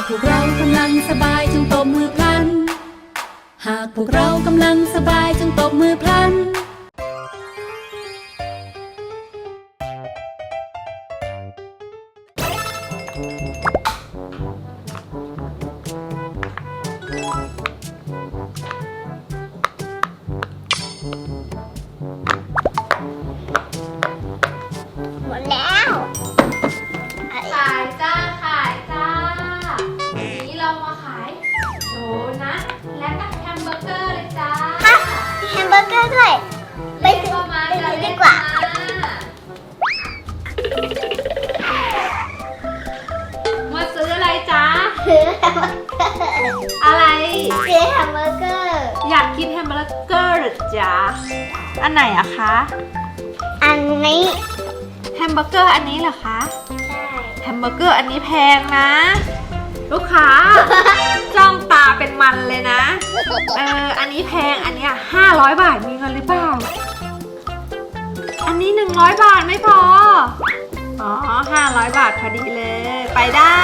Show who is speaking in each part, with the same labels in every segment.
Speaker 1: พวกเรากำลังสบายจงตบมือพลันหากพวกเรากำลังสบายจงตบมือพลัน
Speaker 2: หมดแล้ว
Speaker 3: ขายจ้าขายจ้าวันนี้เรามาขายโดนัทและก็แฮมเบอร์เกอร์เลยจ้า
Speaker 2: ฮะมีแฮมเบอร์เกอร์ด้วยไปซื้อ
Speaker 3: มา
Speaker 2: ไป
Speaker 3: จะ
Speaker 2: ซื้อ
Speaker 3: เล่
Speaker 2: ดี
Speaker 3: น
Speaker 2: กว่า
Speaker 3: มาซื้ออะไรจ้า
Speaker 2: ซื้อแฮมเบอร์เกอร์
Speaker 3: อะไร
Speaker 2: ซื้อแฮมเบอร์เกอร์
Speaker 3: อยากกินแฮมเบอร์เกอร์หรือจ้าอันไหนอะคะ
Speaker 2: อันนี้
Speaker 3: แฮมเบอร์เกอร์อันนี้เหรอคะ
Speaker 2: ใช่
Speaker 3: แฮมเบอร์เกอร์อันนี้แพงนะ ลูกค้า จ้องตาเป็นมันเลยนะอันนี้แพงอันเนี้ย500 บาทมีเงินหรือเปล่าอันนี้100 บาทไม่พออ๋อ500 บาทพอดีเลยไปได้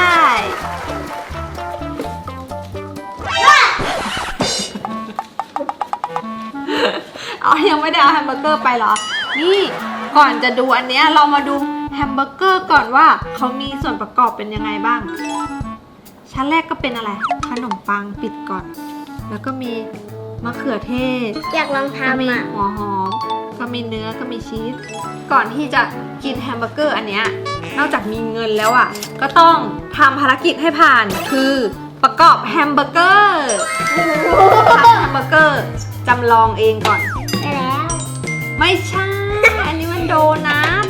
Speaker 3: อ๋อยังไม่ได้เอาแฮมเบอร์เกอร์ไปเหรอนี่ก่อนจะดูอันเนี้ยเรามาดูแฮมเบอร์เกอร์ก่อนว่าเขามีส่วนประกอบเป็นยังไงบ้างชั้นแรกก็เป็นอะไรขนมปังปิดก่อนแล้วก็มีมะเขือเทศ
Speaker 2: อยากลอง
Speaker 3: ก็มี
Speaker 2: ทำอ่ะ
Speaker 3: หัวหอมก็มีเนื้อก็มีชีสก่อนที่จะกินแฮมเบอร์เกอร์อันเนี้ยนอกจากมีเงินแล้วอ่ะก็ต้องทำภารกิจให้ผ่านคือประกอบแฮมเบอร์เกอร์ทำแฮมเบอร์เกอร์จำลองเองก่อน
Speaker 2: ไปแล้ว
Speaker 3: ไม่ใช่ อันนี้มันโดนัท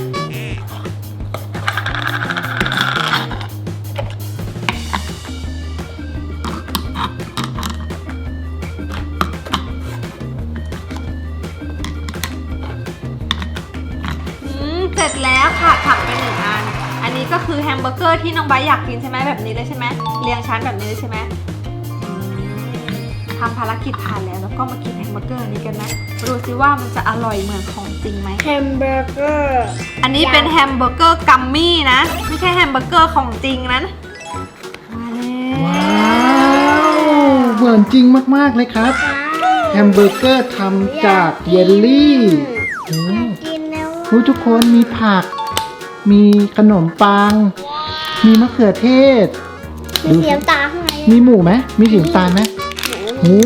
Speaker 3: เสร็จแล้วค่ะผักไป1 อัน อันนี้ก็คือแฮมเบอร์เกอร์ที่น้องไบร์ทอยากกินใช่ไหมแบบนี้เลยใช่ไหมเรียงชั้นแบบนี้เลยใช่ไหมทำภารกิจผ่านแล้วก็มากินแฮมเบอร์เกอร์นี้กันนะดูซิว่ามันจะอร่อยเหมือนของจริงไหม
Speaker 2: แฮมเบอร์เกอร์
Speaker 3: อันนี้เป็นแฮมเบอร์เกอร์กัมมี่นะไม่ใช่แฮมเบอร์เกอร์ของจริงนะมาแล้ว
Speaker 4: ว้าวเหมือนจริงมากๆเลยครับแฮมเบอร์เกอร์ทำจากเยลลี่โอ้
Speaker 2: กินแล้ว
Speaker 4: โหทุกคนมีผัก มีขนมปัง มีมะเขือเทศ
Speaker 2: มีเสียงตาข้างใน
Speaker 4: มีหมูไหมมีสีน้ำตาลไหมโอ้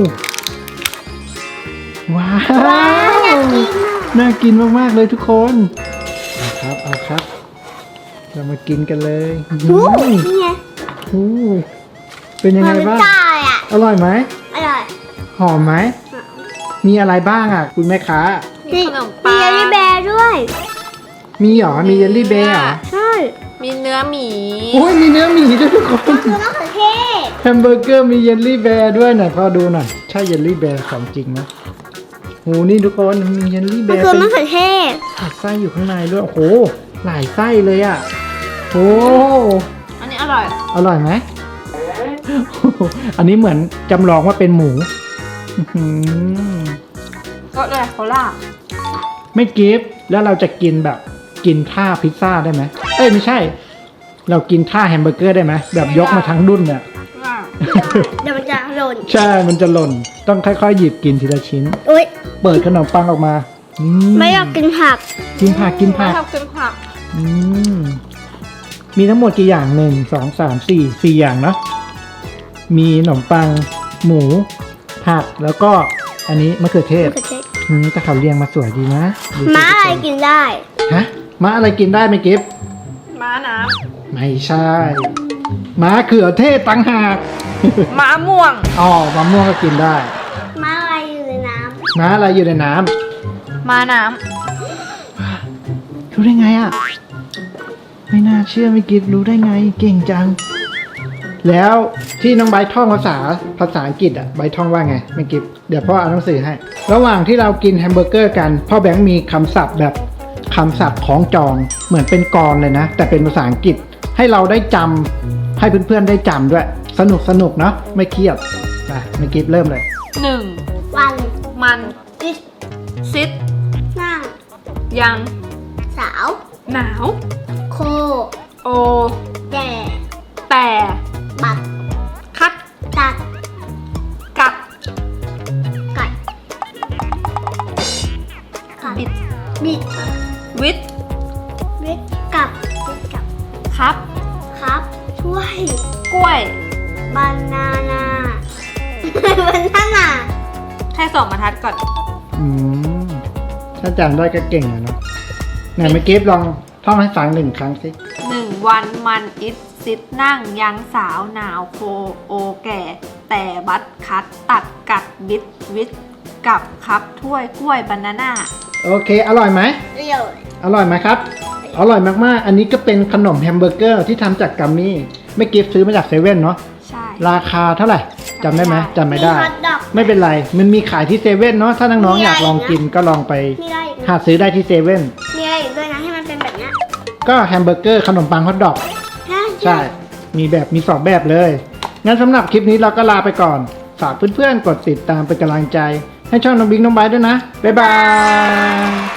Speaker 4: ว้าว น่ากินมากๆเลยทุกคนเอาครับ เอาครับ เรามากินกันเลย
Speaker 2: นี่ไง
Speaker 4: โอ้เป็นยังไงบ้าง
Speaker 2: ตาอ่ะ
Speaker 4: อร่อยไหม
Speaker 2: อร่อย
Speaker 4: หอมไหม มีอะไรบ้างอ่ะ คุณแม่ค้า
Speaker 3: มีขนมปัง
Speaker 2: มีเยลลี่แบร์ด้วย
Speaker 4: มีเหรอ มีเยลลี่เบร์เหรอ
Speaker 2: ใช่
Speaker 3: มีเนื้อหมี
Speaker 4: โอ้ยมีเนื้อหมีด้วยทุกคน
Speaker 2: คือมะเขือเทศ
Speaker 4: แฮมเบอร์เกอร์มีเยลลี่แบร์ด้วยหน่อยพอดูหน่อยใช่เยลลี่แบร์ของจริงไหมโหนี่ทุกคนมีเยลลี่แบ
Speaker 2: มัน
Speaker 4: ร์
Speaker 2: คือ
Speaker 4: เป็น
Speaker 2: มะเขือเทศ
Speaker 4: ผัดไส้อยู่ข้างในด้วยโอ้โหหลายไส้เลยอ่ะโอ้
Speaker 3: อันนี้อร่อย
Speaker 4: อร่อยไหมโอ้โหอันนี้เหมือนจำลองว่าเป็นหมูอื้อหือ
Speaker 3: ก็เลยโคล่า
Speaker 4: ไม่กิฟต์แล้วเราจะกินแบบกินท่าพิซซ่าได้ไหมเอ้ยไม่ใช่ เรากินท่าแฮมเบอร์เกอร์ได้ไหมแบบยกมาทั้งดุ้นเนี่ย
Speaker 2: เดี๋ยวมันจะหล่น
Speaker 4: ใช่ มันจะหล่น ต้องค่อยๆ หยิบกินทีละชิ้น
Speaker 2: อุ้ย
Speaker 4: เปิดขนมปังออกมา
Speaker 2: ไม่อยากกินผัก
Speaker 4: กินผัก กินผัก
Speaker 3: ชอบกินผัก
Speaker 4: อืมมีทั้งหมดกี่อย่าง 1 2 3 4 4 อย่างเนาะ มีขนมปัง หมู ผัก แล้วก็อันนี้มะเขือเทศ
Speaker 2: มะเขือเทศ
Speaker 4: แต่เขาเรียงมาสวยดีนะดูสิ
Speaker 2: ม้าอะไรกินได้
Speaker 4: ฮะ ม้าอะไรกินได้ไหมกิฟต์
Speaker 3: ม้าน้
Speaker 4: ไม่ใช่ ม้าเขือเทศต่างหาก
Speaker 3: ำม้าม่วง
Speaker 4: อ๋อมะม่วงก็กินได้
Speaker 2: ม้าอะไรอยู่ในน้
Speaker 4: ม้าอะไรอยู่ในน้ำ
Speaker 3: ม้าน้
Speaker 4: รู้ได้ไงอ่ะ ไม่น่าเชื่อไม่กิฟรู้ได้ไงเก่งจัง แล้วที่น้องใบท่องภาษาอังกฤษอ่ะใบท่องว่าไงไม่กิฟเดี๋ยวพ่อเอาหนังสือให้ ระหว่างที่เรากินแฮมเบอร์เกอร์กันพ่อแบงค์มีคำศัพท์แบบคำศัพท์ของจองเหมือนเป็นกลเลยนะ แต่เป็นภาษาอังกฤษให้เราได้จำให้เพื่อนๆได้จำด้วย สนุกเนาะไม่เครียดนะไม่กิฟเริ่มเลย
Speaker 3: ำ
Speaker 2: ำวัน
Speaker 3: มัน
Speaker 2: กิน
Speaker 3: ซิด
Speaker 2: นั่ง
Speaker 3: ยัง
Speaker 2: สาว
Speaker 3: หนาว
Speaker 2: โค
Speaker 3: โอ
Speaker 2: แก่
Speaker 3: แต่
Speaker 2: บัตรล้วย
Speaker 3: กล้วย
Speaker 2: บานาน่า บานาน่า
Speaker 3: แค่สองบรรทัดก่อน
Speaker 4: อืมถ้าจำได้ก็เก่งอะเนาะไหนเมื่อกี้ลองท่องให้ฟังหนึ่งครั้งสิ
Speaker 3: 1 วันมันอิดซิดนั่งยังสาวหนาวโคโอแก่ แต่บัดคัดตัดกัดบิดวิดกับครับถ้วยกล้วยบานาน่า
Speaker 4: โอเค อร่อยไหม
Speaker 2: เรียว
Speaker 4: อร่อยไหมครับ อร่อยมากๆ อันนี้ก็เป็นขนมแฮมเบอร์เกอร์ที่ทำจากกัมมี่ไม่กิฟซื้อมาจากเซเว่นเนาะ
Speaker 3: ใช่
Speaker 4: ราคาเท่าไหร่จำได้ไหมจำไม่ได้
Speaker 2: ฮอทดอก
Speaker 4: ไม่เป็นไร มันมีขายที่เซเว่นเนาะ ถ้าน้องๆอยากลองกินก็ลองไป
Speaker 2: มีอะไรอีก
Speaker 4: หาซื้อได้ที่เซเว่น
Speaker 2: มีอะไรอีกด้วยนะให้มันเป็นแบบเนี้ย
Speaker 4: ก็แฮมเบอร์เกอร์ขนมปังฮอทดอก ใช่ มีสองแบบเลย งั้นสำหรับคลิปนี้เราก็ลาไปก่อน ฝากเพื่อนๆ กดติดตามเป็นกำลังใจ ให้ช่องน้องบิ๊กน้องไบร์ทด้วยนะ บ๊ายบาย